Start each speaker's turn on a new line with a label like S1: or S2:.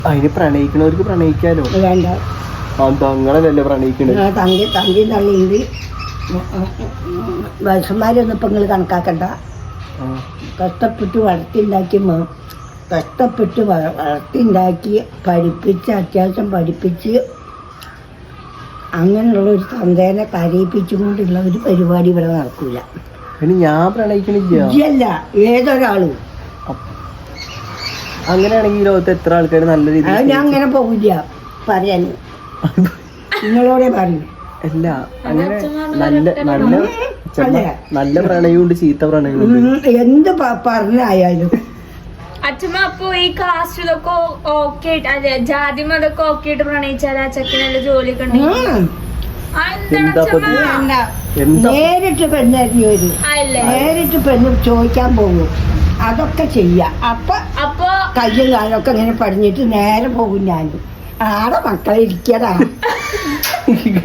S1: അതിന് പ്രണയിക്കണവർക്ക് പ്രണയിക്കാലോ.
S2: വേണ്ട,
S1: തങ്ങളല്ലേ പ്രണയിക്കണത്.
S2: തങ്കി തള്ളിയത് വയസ്സന്മാരൊന്നും ഇപ്പം നിങ്ങൾ കണക്കാക്കണ്ട. കഷ്ടപ്പെട്ട് വളർത്തിണ്ടാക്കി പഠിപ്പിച്ച് അത്യാവശ്യം പഠിപ്പിച്ച് അങ്ങനെയുള്ള ഒരു തന്തേനെ കരയിപ്പിച്ചുകൊണ്ടുള്ള ഒരു പരിപാടി ഇവിടെ നടക്കൂല.
S1: ഞാൻ പ്രണയിക്കണില്ല.
S2: ഇല്ല, ഏതൊരാളും.
S1: അങ്ങനെയാണെങ്കിൽ ലോകത്ത് എത്ര ആൾക്കാർ നല്ല രീതിയിൽ
S2: ഞാൻ അങ്ങനെ പോകില്ല പറയാൻ. നിങ്ങളോടെ പറയും.
S1: അല്ല, അങ്ങനെ നല്ല പ്രണയമുണ്ട്, ചീത്ത പ്രണയമുണ്ട്.
S2: എന്ത് പറഞ്ഞായാലും
S3: അച്ഛമ്മ അപ്പൊ ഈ കാസ്റ്റിലൊക്കെ ഓക്കെ അതെ ജാതി മതൊക്കെ ഓക്കെ ആയിട്ട് പ്രണയിച്ചാൽ ആ ചെക്കനല്ല ജോലിയൊക്കെ
S2: നേരിട്ട് പെണ്ണായിരുന്നു വരും. നേരിട്ട് പെണ്ണ് ചോദിക്കാൻ പോകും. അതൊക്കെ ചെയ്യാം. അപ്പൊ കയ്യും കാലൊക്കെ ഇങ്ങനെ പടിഞ്ഞിട്ട് നേരെ പോകും. ഞാൻ ആടെ മക്കളെ ഇരിക്കടാ.